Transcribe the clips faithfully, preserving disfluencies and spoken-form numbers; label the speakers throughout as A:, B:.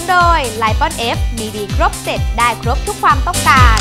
A: นโดยไลปอนเอฟมีดีครบเสร็จได้ครบทุกความต้องการ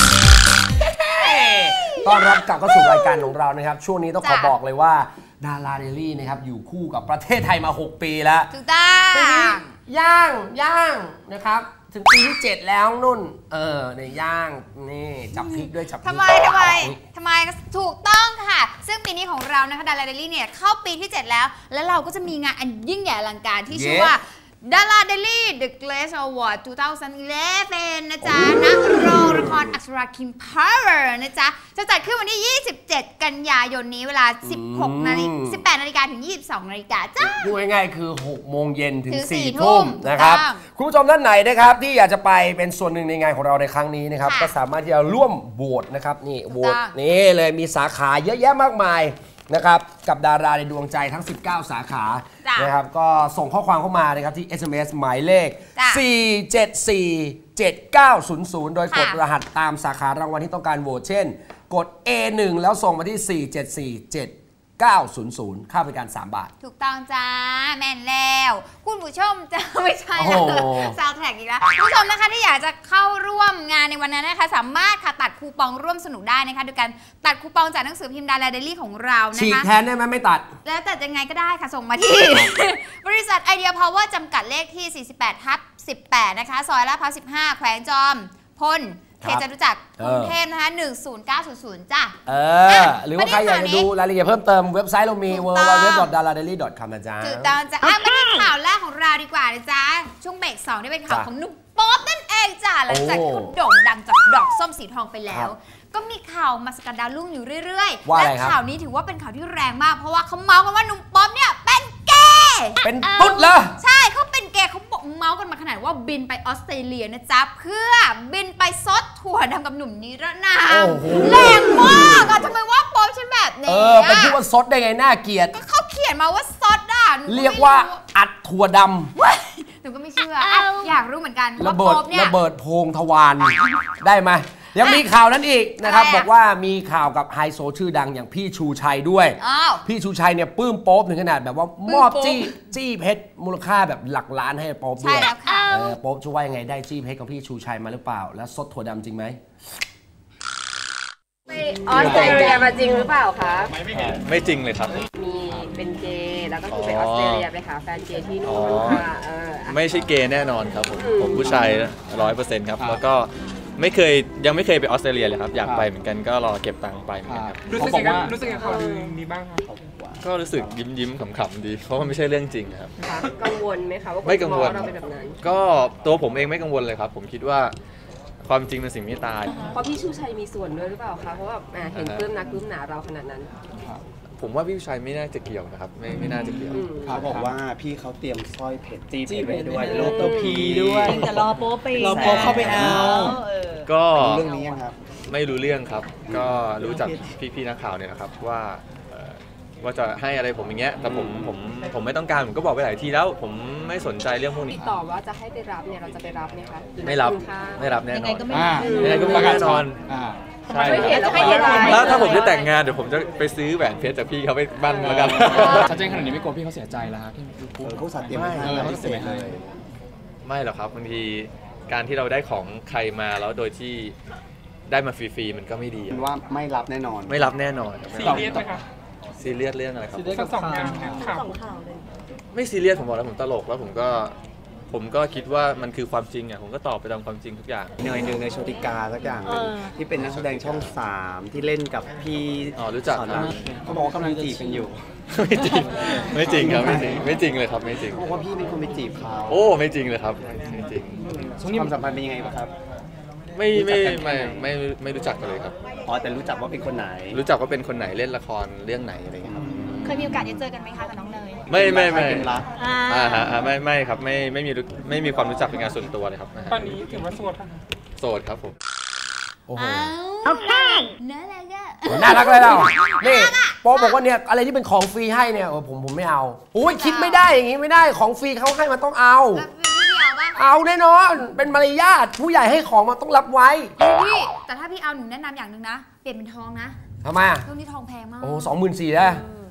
B: ต้อนรับกลับเข้าสู่รายการของเรานะครับช่วงนี้ต้องขอบอกเลยว่าดาราเดลี่นะครับอยู่คู่กับประเทศไทยมาหกปีแล้ว
A: ถูกต้อง
B: ปีนี้ย่างย่างนะครับถึงปีที่เจ็ดแล้วนุ่นเออในย่างนี่จับพริกด้วยจับพริก
A: ทำไมทำไมทำไมถูกต้องค่ะซึ่งปีนี้ของเรานะคะดาราเดลี่เนี่ยเข้าปีที่เจ็ดแล้วแล้วเราก็จะมีงานอันยิ่งใหญ่อลังการที่ชื่อว่าดาราเดลี่ The Glaze Award สองพันสิบเอ็ดนะจ๊ะณโรงละครอักษราคิมพาวเวอร์นะจ๊ะจะจัดขึ้นวันที่ยี่สิบเจ็ดกันยายนนี้เวลาสิบหกนาฬิกาสิบแปดนาฬิกาถึงยี่สิบสองนาฬิกาจ้า
B: พูดง่ายๆคือหกโมงเย็นถึงสี่ทุ่มนะครับคุณผู้ชมท่านไหนนะครับที่อยากจะไปเป็นส่วนหนึ่งในงานของเราในครั้งนี้นะครับก็สามารถที่จะร่วมโหวตนะครับนี่โหวตนี่เลยมีสาขาเยอะแยะมากมายนะครับกับดาราในดวงใจทั้งสิบเก้าสาขานะครับก็ส่งข้อความเข้ามานะครับที่ เอส เอ็ม เอส หมายเลขสี่ เจ็ด สี่ เจ็ด เก้า ศูนย์ ศูนย์โดยกดรหัสตามสาขารางวัลที่ต้องการโหวตเช่นกด เอ หนึ่ง แล้วส่งมาที่สี่ เจ็ด สี่ เจ็ด เก้า ศูนย์ ศูนย์ค่าบริการสามบาท
A: ถูกต้องจ้าแม่นแล้วคุณผู้ชมจะไม่ใช่ซาวด์แทร็กอีกแล้วคุณผู้ชมนะคะที่อยากจะเข้าร่วมงานในวันนั้นนะคะสามารถค่ะตัดคูปองร่วมสนุกได้นะคะโดยการตัดคูปองจากหนังสือพิมพ์ดาราเดลี่ของเรานะคะ
B: ฉีกแทนได้ไหมไม่ตัด
A: แล้วตัดยังไงก็ได้ค่ะส่งมาที่ บริษัทไอเดียพาวเวอร์จำกัดเลขที่สี่สิบแปดทับสิบแปดนะคะซอยลาดพร้าวสิบห้าแขวงจอมพลเขตจตุจักรกรุงเทพนะคะหนึ่งศูนย์เก้าศูนย์ศูนย์จ้ะ
B: เออหรือว่าใครอยากจะดูรายละเอียดเพิ่มเติมเว็บไซต์เรามี ดับเบิลยู ดับเบิลยู ดับเบิลยู ดอท ดาราเดลี่ ดอท คอม นะจ๊ะ
A: ถูกต้องจ้ะมาที่ข่าวแรกของเราดีกว่านะจ๊ะช่วงเบรกสองที่เป็นข่าวของหนุ่มป๊อปนั่นเองจ้ะหลังจากที่เขาโด่งดังจากดอกส้มสีทองไปแล้วก็มีข่าวมาสกัดดาวรุ่งอยู่เรื่อยๆและข่าวนี้ถือว่าเป็นข่าวที่แรงมากเพราะว่าเขาเมาส์กันว่าหนุ่มป๊อปเนี่ยเป็นเกย์
B: เป็นตุ๊ดเหรอ
A: ใช่เขาเป็นเกย์เขาบอกเมาส์กันมาขนาดว่าบินไปออสเตรเลียนะจ๊ะเพื่อบินไปซดถั่วดำกับหนุ่มนิรนามแรงมากอะทำไมว่าป๊อปฉันแบบนี้
B: เออเป็นพูดว่าซดได้ไงน่าเกลียด
A: ก็เขาเขียนมาว่าซดอ่ะ
B: เรียกว่าอัดถั่วด
A: ำหนูก็ไม่เชื่ออยากรู้เหมือนกัน
B: ระเบิดระเบิดโพงทวารได้ไหมยังมีข่าวนั้นอีกนะครับบอกว่ามีข่าวกับไฮโซชื่อดังอย่างพี่ชูชัยด้วยพี่ชูชัยเนี่ยปลื้มโป๊ปถึงขนาดแบบว่ามอบจี้จี้เพชรมูลค่าแบบหลักล้านให้โป๊ปด้วยโป๊ปช่วยยังไงได้จี้เพชรกับพี่ชูชัยมาหรือเปล่าแล้วซดถั่วดำจริงไหม
C: ไปออสเตรเลียมาจริงหรือเปล่าคะ
D: ไม่จริงเลยครับ
C: มีเป็นเกย์แล้วก็คือไปออสเตรเลียไปหาแฟนเกย์ที่นู่นค่ะ
D: ไม่ใช่เกย์แน่นอนครับผมผมผู้ชายร้อยเปอร์เซ็นต์ครับแล้วก็ไม่เคยยังไม่เคยไปออสเตรเลียเลยครับอยากไปเหมือนกันก็รอเก็บตังค์ไปเหมือนกันครับ
E: รู้สึกยังไงรู้สึกยังไงข่าวลือนี้บ้างครับ
D: ก็รู้สึกยิ้มยิ้มขำๆดีเพราะมันไม่ใช่เรื่องจริงครับ
C: กังวลไหมคะว่า
D: ไม่กังวล
C: เราเป็นแบบนั้น
D: ก็ตัวผมเองไม่กังวลเลยครับผมคิดว่าความจริงเป็นสิ่งไม่ตาย
C: เพราะพี่ชูชัยมีส่วนด้วยหรือเปล่าคะเพราะว่าเห็นปลื้มนักปลื้มหนาเราขนาดนั้น
D: ผมว่าพี่ชัยไม่น่าจะเกี่ยวนะครับไม่ไม่น่าจะเกี่ยว
F: เขาบอกว่าพี่เขาเตรียมสร้อยเพชรจี้เพชรด้วยรูปตัวพีด้วย
G: จะรอโป๊ไป
F: รอโป๊เข้าไปเอา
D: ก็
F: เรื่องนี้ครับ
D: ไม่รู้เรื่องครับก็รู้จักพี่ๆนักข่าวเนี่ยนะครับว่าว่าจะให้อะไรผมอย่างเงี้ยแต่ผมผมผมไม่ต้องการผมก็บอกไปหลายทีแล้วผมไม่สนใจเรื่องพวกนี้
C: ติดต่อว่าจะให้ไปรับเนี่ยเราจะไปรับไหมคะ
D: ไม่รับไม่รับแน่นอนยังไงก็ไม่
F: แ
D: น่นอนใช่แล้วถ้าผมจะแต่งงานเดี๋ยวผมจะไปซื้อแหวนเพชรจากพี่เขาไปบ้านแล้วกัน
E: ชัดเจนขนาดนี้ไม่กลัวพี่เขาเสียใจแล้วครับ
F: พี่ผู้สัตย์เตรียมให้
D: ไม่เสียใจไม่หรอกครับบางทีการที่เราได้ของใครมาแล้วโดยที่ได้มาฟรีๆมันก็ไม่ดี
F: ว่าไม่รับแน่นอน
D: ไม่รับแน่นอน
E: ซีเรียสไหมครับ
D: ซีเรียสเรื่องอะไรครับ
E: ซีเรียสกับสองข่าว
D: ไม่ซีเรียสผมบอกแล้วผมตลกแล้วผมก็ผมก็คิดว่ามันคือความจริงอ่ะผมก็ตอบไปตามความจริงทุกอย่าง
F: เนยหนึ่งในโชติกาสักอย่างที่เป็นนักแสดงช่องสามที่เล่นกับพี่
D: อ๋อรู้จักครับ
F: เขาบอกว่ากำลังจีบกันอยู่
D: ไม่จริงไม่จริงครับไม่จริงไม่จริงเลยครับไม่จริง
F: บอกว่าพี่เป็นคนไปจีบเขา
D: โอ้ไม่จริงเลยครับไม่จริง
F: ความสัมพันธ์เป็นยังไงบ้างครับ
D: ไม่ไม่ไม่ไม่ไม่รู้จักกันเลยครับ
F: อ๋อแต่รู้จักว่าเป็นคนไหน
D: รู้จักว่าเป็นคนไหนเล่นละครเรื่องไหนอะไรอย่างเงี้ยครับ
A: เคยมีโอกาสได้เจอกันไหมคะกับน้องเนย
D: ไม่ไม่ไม่อ่าฮะไม่ไม่ครับไม่ไม่มีไม่มีความรู้จักเป็นงานส่วนตัวเลยครับ
E: ตอนนี้ถือว่าโสดป่ะ
D: โสดครับผม
B: โอ้โห
A: โอเคน่ารักอะ
B: น่ารักเลยเรานี่โป๊บอกว่าเนี่ยอะไรที่เป็นของฟรีให้เนี่ยผมผมไม่เอาโอ้ยคิดไม่ได้อย่างงี้ไม่ได้ของฟรีเขาให้มันต้องเอาเอาแน่นอนเป็นมารยาทผู้ใหญ่ให้ของมันต้องรับไว้
A: พี่แต่ถ้าพี่เอาหนูแนะนำอย่างหนึ่งนะเปลี่ยนเป็นทองนะ
B: ทำไมอ่ะ
A: ช่วงนี้ทองแพงมาก
B: โอ้สองหมื่นสี่แล้ว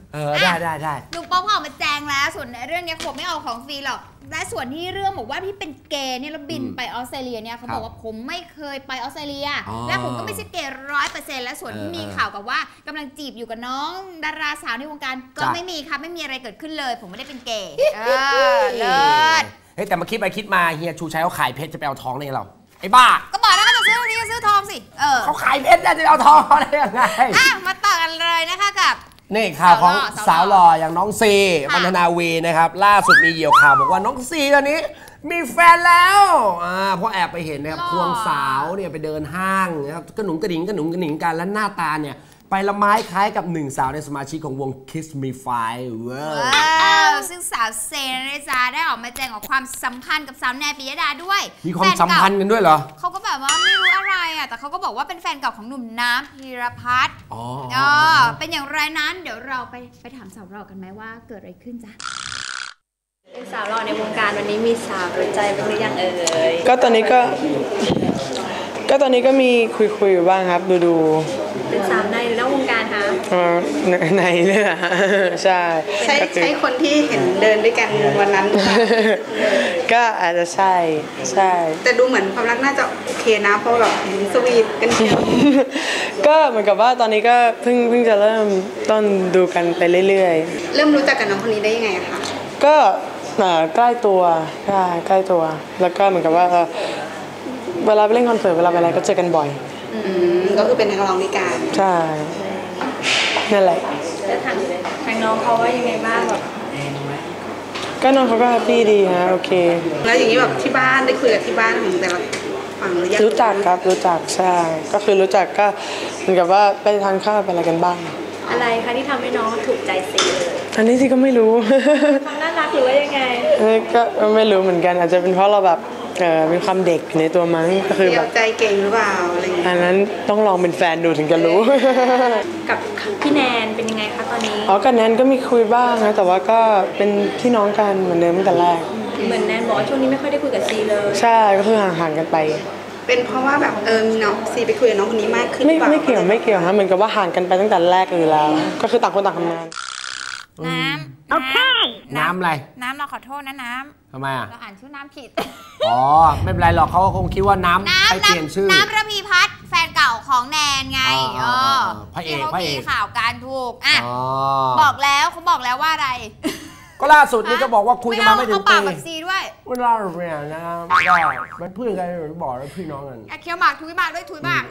B: เออได้ได้ได้
A: หนุ่มป๊อปเขาออกมาแจงแล้วส่วนเรื่องนี้เขาบอกไม่เอาของฟรีหรอกและส่วนที่เรื่องบอกว่าพี่เป็นเกย์เนี่ยแล้วบินไปออสเตรเลียเนี่ยเขาบอกว่าผมไม่เคยไปออสเตรเลียและผมก็ไม่ใช่เกย์ร้อยเปอร์เซ็นต์และส่วนที่มีข่าวกับว่ากำลังจีบอยู่กับน้องดาราสาวในวงการก็ไม่มีครับไม่มีอะไรเกิดขึ้นเลยผมไม่ได้เป็นเกย์เออเลิศ
B: เฮ้ยแต่มาคิดไปคิดมาเฮียชูชัยเขาขายเพชรจะไปเอาทองได้เราไอ้บ้า
A: ก็บอกแล้วก็จะซื้อวันนี้ก็ซื้อทองสิเออ
B: เขาขายเพชรจะไปเอาทองได้ยังไง
A: อ่ะมาต่อกันเลยนะคะกับ
B: นี่ข่าวของสาวหล่ออย่างน้องซีปัณธนาวีนะครับล่าสุดมีเหยี่ยวข่าวบอกว่าน้องซีตอนนี้มีแฟนแล้วอ่าเพราะแอบไปเห็นนะครับควงสาวเนี่ยไปเดินห้างนะครับกระหนุงกระดิ่งกระหนุงกระหนิงกันและหน้าตาเนี่ยไปละไม้คล้ายกับหนึ่งสาวในสมาชิกของวง Kiss Me Five ว้
A: าวซึ่งสาวเซนนะจ๊ะได้ออกมาแจ้งออกความสัมพันธ์กับสาวแนนปิยดาด้วย
B: มีความสัมพันธ์กันด้วยเหรอ
A: เขาก็แบบว่าไม่รู้อะไรอ่ะแต่เขาก็บอกว่าเป็นแฟนเก่าของหนุ่มน้ำพีรพัฒน์อ๋อเป็นอย่างไรนั้นเดี๋ยวเราไปไปถามสาวเรากันไหมว่าเกิดอะไรขึ้นจ๊ะ
G: เป็นสาวหล่อในวงการวันนี้มีสาวรู้ใจบ้างหรือยังเอ่ย
H: ก็ตอนนี้ก็ก็ตอนนี้ก็มีคุยคุยอยู่บ้างครับดูดู
G: เป็นสาวในหรือนอกวงการคะ
H: อ๋อในเลยนะใช่
G: ใช่ใช่คนที่เห็นเดินด้วยกันวันนั้น
H: ก็อาจจะใช่ใช่
G: แต่ดูเหมือนความรักน่าจะโอเคนะเพราะแบบสวีทกันเชียว
H: ก็เหมือนกับว่าตอนนี้ก็เพิ่งเพิ่งจะเริ่มต้นดูกันไปเรื่อย
G: ๆเริ่มรู้จักกับน้องคนนี้ได้ยังไงคะ
H: ก็ใกล้ตัวใช่ใกล้ตัวแล้วก็เหมือนกับว่าเวลาไปเล่นคอนเสิร์ตเวลาไปอะไรก็เจอกันบ่อย
G: อืมก็คือเป็นนักร้องด้วยกัน
H: ใช่นั่นแหละ
G: แล้วทางทางน้องเขาว่ายังไงบ้างแบบ
H: ก็น้องเขาก็แฮปปี้ดีฮะโอเค
G: แล้วอย่างนี้แบบที่บ้านได้คุยกับที่บ้านของแต่ละฝั่งหรือยัง
H: รู้จักครับรู้จักใช่ก็คือรู้จักก็เหมือนกับว่าไปทานข้าวไปอะไรกันบ้าง
G: อะไรคะที่ทำให้น้องถูกใจซีเลย
H: อันนี้ที่ก็ไม่รู้
G: ความน่ารักหรือว่ายังไง
H: ก็ไม่รู้เหมือนกันอาจจะเป็นเพราะเราแบบเออมีความเด็กในตัวมั้งก็คือแบบ
G: ใจเก่งหรือเปล่าอะไรอย่างเงี้ย
H: อันนั้นต้องลองเป็นแฟนดูถึงจะรู้
G: กับพี่แนนเป็นยังไงคะตอนนี้
H: อ๋อกับแนนก็มีคุยบ้างนะแต่ว่าก็เป็นพี่น้องกันเหมือนเดิมตั้งแต่แรก
G: เหมือนแนนบอกว่าช่วงนี้ไม่ค่อยได้คุยกับซีเลย
H: ใช่ก็คือห่างๆกันไป
G: เป็นเพราะว่าแบบเออมีน้องซีไปคุยกับน้องคนนี้มากขึ้น
H: ไม่ไม่เกี่ยวไม่เกี่ยวฮะเหมือนกับว่าห่างกันไปตั้งแต่แรกอยู่แล้วก็คือต่างคนต่างทำงาน
A: น้ำโอเค
B: น้ำอะไร
A: น้ำเราขอโทษนะน้
B: ำทำไมอ่ะ
A: เราอ่านชื่อน้ำผิด
B: อ๋อไม่เป็นไรหรอกเขาคงคิดว่าน้ำไปเปลี่ยนชื่อ
A: น้ำระพีพัฒน์แฟนเก่าของแนนไงเออ
B: พระเอก
A: พระเอกข่าวการถูกอ่ะบอกแล้วเขาบอกแล้วว่าอะไร
B: ก็ล่าสุดนี่ก็บอกว่าคุยกันมาไม่ถึงปี
A: เอาปากแบบซีด้วย
B: เวลาเนี่ยนะก็เป็นเพื่อนกันบอกแล้วพี่น้องกัน
A: เคี้ยวหมากทุยหมากด้วยทุยหมาก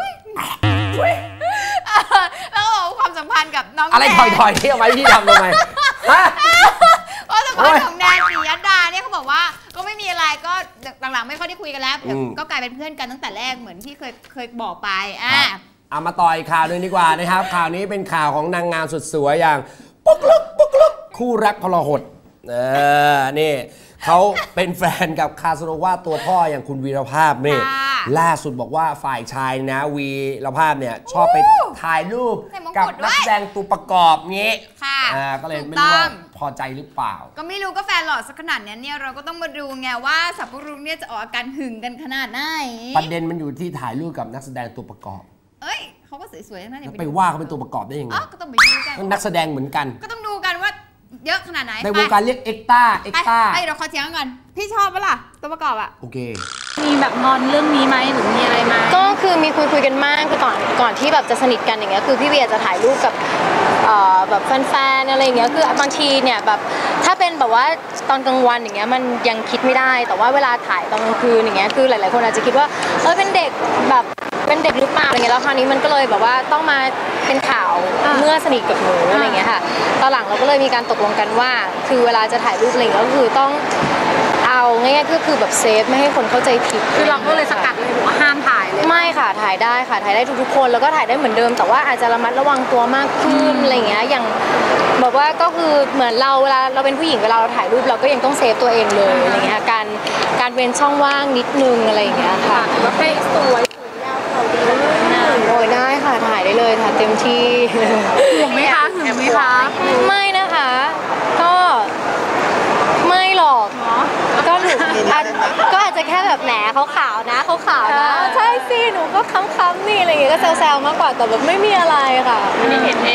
A: แล้วความสัมพันธ์กับน้อง
B: อะไรถอยๆที่เอาไว้ที่ทำทำไมฮะ
A: ความสัมพันธ์ของแนนปิยดาเนี่ยเขาบอกว่าก็ไม่มีอะไรก็หลังๆไม่ค่อยได้คุยกันแล้วก็กลายเป็นเพื่อนกันตั้งแต่แรกเหมือนที่เคยเคยบอกไปอ่ะ
B: เอามาต่ออีกข่าวนึงดีกว่านะครับข่าวนี้เป็นข่าวของนางงามสุดสวยอย่างปุ๊กลุกปุ๊กลุกคู่รักพลหดเออนี่เขาเป็นแฟนกับคาสโนวาตัวพ่ออย่างคุณวีรภาพนี่ล่าสุดบอกว่าฝ่ายชายนะวีรภาพเนี่ยชอบไปถ่ายรูปกับนักแสดงตัวประกอบงี้อ่าก็เลยไม่รู้ว่าพอใจหรือเปล่า
A: ก็ไม่รู้ก็แฟนหล่อสักขนาดนี้เนี่ยเราก็ต้องมาดูไงว่าสับปะรดเนี่ยจะออกอาการหึงกันขนาดไหน
B: ประเด็นมันอยู่ที่ถ่ายรูปกับนักแสดงตัวประกอบ
A: เอ้ยเขาก็สวยๆนั่นเอง
B: ไปว่าเขาเป็นตัวประกอบได้ยังไง
A: ก็ต้องไปดูกัน
B: นักแสดงเหมือนกัน
A: ก็ต้องดูกันว่าเยอะขนาดไหน
B: ในวงการเรียกเอ็กต้าเอ็กต้า
A: ไอเราขอเถียงกันพี่ชอบปะล่ะตัวประกอบอะ
B: โอเค
G: มีแบบงอนเรื่องนี้ไหมหรือมีอะไรไหม
I: ก็คือมีคุยคุยกันมากคือก่อนก่อนที่แบบจะสนิทกันอย่างเงี้ยคือพี่เวียจะถ่ายรูปกับแบบแฟนๆอะไรอย่างเงี้ยคือบางทีเนี่ยแบบถ้าเป็นแบบว่าตอนกลางวันอย่างเงี้ยมันยังคิดไม่ได้แต่ว่าเวลาถ่ายตอนกลางคืนอย่างเงี้ยคือหลายๆคนอาจจะคิดว่าเออเป็นเด็กแบบเป็นเด็กหรือเปล่าอะไรเงี้ยแล้วคราวนี้มันก็เลยแบบว่าต้องมาเป็นข่าวเมื่อสนิทกับหนูอะไรเงี้ยค่ะตอนหลังเราก็เลยมีการตกลงกันว่าคือเวลาจะถ่ายรูปอะไรเงี้ยก็คือต้องเอาง่ายๆก็คือแบบเซฟไม่ให้คนเข้าใจผิด
G: คือเราก็เลยสกัดเลยว่าห้ามถ่ายเลย
I: ไม่ค่ะถ่ายได้ค่ะถ่ายได้ทุกๆคนแล้วก็ถ่ายได้เหมือนเดิมแต่ว่าอาจจะระมัดระวังตัวมากขึ้นอะไรเงี้ยอย่างแบบว่าก็คือเหมือนเราเวลาเราเป็นผู้หญิงเวลาเราถ่ายรูปเราก็ยังต้องเซฟตัวเองเลยอะไรเงี้ยการการเว้นช่องว่างนิดนึงอะไรอย่างเงี้ยค่ะ
G: ว่าให้สวย
I: โอ้ยได้ค่ะถ่ายได้เลยค่ะเต็มที่
G: ห่วงไหมคะห่วงไหมคะ
I: ไม่นะคะก็ไม่หรอกก็หนูก็อาจจะแค่แบบแหนเขาขาวนะเขาขาวนะใช่สิหนูก็ค้ำๆนี่อะไรอย่างเงี้ยก็แซวๆมากกว่าแต่แบบไม่มีอะไรค่ะ
G: ไม่ได้เห็นเองหรือว่า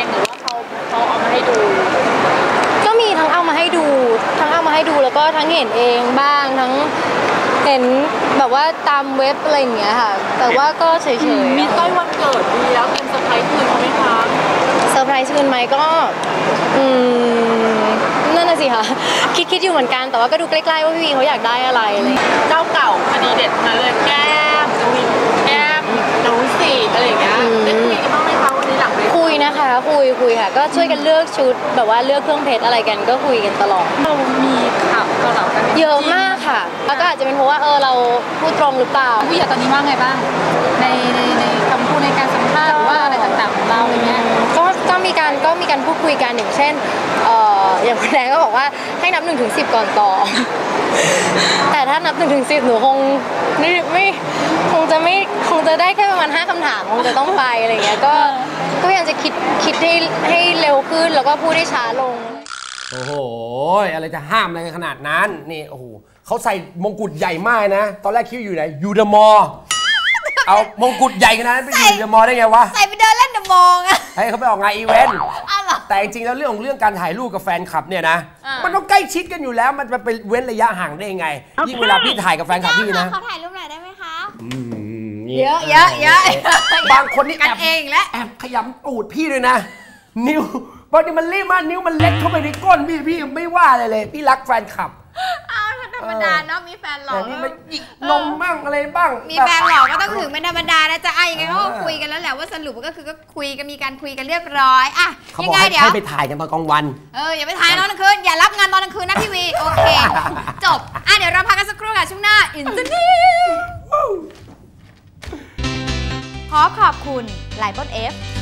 I: เขาเขาเอามาให้ดู ก็มีทั้งเอามาให้ดูทั้งเอามาให้ดูแล้วก็ทั้งเห็นเองบ้างทั้งเห็นแบบว่าตามเว็บอะไรอย่างเงี้ยค่ะแต่ว่าก็เฉยๆมีใกล้วันเกิดดีแล้วเป็นเซอร์ไพรส์คืนเขาไหมคะเซอร์ไพรส์คืนไหมก็อืมนั่นน่ะสิค่ะคิดคิดอยู่เหมือนกันแต่ว่าก็ดูใกล้ๆว่าพี่วีเขาอยากได้อะไรอะไรเจ้าเก่าคดีเด็ดมาเลยแก้มแก้มน้องสีอะไรอย่างเงี้ยได้คุยกันบ้างไหมคะวันนี้หลังคุยนะคะคุยคุยค่ะก็ช่วยกันเลือกชุดแบบว่าเลือกเครื่องเพชรอะไรกันก็คุยกันตลอดเรามีข่าวต่อๆกันเยอะมากค่ะแล้วก็อาจจะเป็นเพราะว่าเออเราพูดตรงหรือเปล่าพี่อยากตอนนี้ว่าไงบ้างในในในคำพูดในการสัมภาษณ์หรือว่าอะไรต่างๆของเราอะไรเงี้ยก็ก็มีการก็มีการพูดคุยกันอย่างเช่นเอ่ออย่างคุณแดงก็บอกว่าให้นับหนึ่งถึงสิบก่อนต่อแต่ถ้านับหนึ่งถึงสิบหนูคงไม่ไม่คงจะไม่คงจะได้แค่ประมาณห้าคำถามคงจะต้องไปอะไรเงี้ยก็ก็พยายามจะคิดคิดให้ให้เร็วขึ้นแล้วก็พูดได้ช้าลง
B: โอ้โหอะไรจะห้ามอะไรขนาดนั้นนี่โอ้โหเขาใส่มงกุฎใหญ่มากนะตอนแรกคิดอยู่ไหนยูเดอะมอลเอามงกุฎใหญ่ขนาดนั้นไปอยู่เดอะมอลได้ไงวะ
A: ใส่ไปเดินเล่นเดอะมอลอะ
B: ให้เขาไปออกงานอีเวนต์แต่จริงๆแล้วเรื่องของเรื่องการถ่ายรูปกับแฟนคลับเนี่ยนะมันต้องใกล้ชิดกันอยู่แล้วมันไปเว้นระยะห่างได้ยังไงยิ่งเวลาพี่ถ่ายกับแฟนคลับพี่นะ
A: เขาถ่ายรูปหน่อยได้ไหมคะ
B: เย
A: อะเยอะเยอะ
B: บางคนนี่แอบ
A: เองแล้ว
B: แอบขยำตูดพี่เลยนะนิ้วบางทีมันรีบมากนิ้วมันเล็กเข้าไปในก้นพี่พี่ไม่ว่าอะไรเลยพี่รักแฟนคลับ
A: อ้าวธรรมดาเนาะมีแฟนหล่อ
B: มีมาหยิกนมบ้างอะไรบ้าง
A: มีแฟนหล่อก็ต้องถึงเป็นธรรมดานะจ๊ะไอ้ยังไงเขาคุยกันแล้วแหละว่าสรุปก็คือก็คุยกันมีการคุยกันเรียบร้อยอ่ะ
B: ยังไงเดี๋ยวให้ไปถ่ายกันตอนกลางวัน
A: เอออย่าไปถ่ายตอนกลางคืนอย่ารับงานตอนกลางคืนนะพี่วีโอเคจบอ่ะเดี๋ยวเราพักกันสักครู่ค่ะช่วงหน้าอินเตอร์เน็ตขอขอบคุณไลปอนเอฟ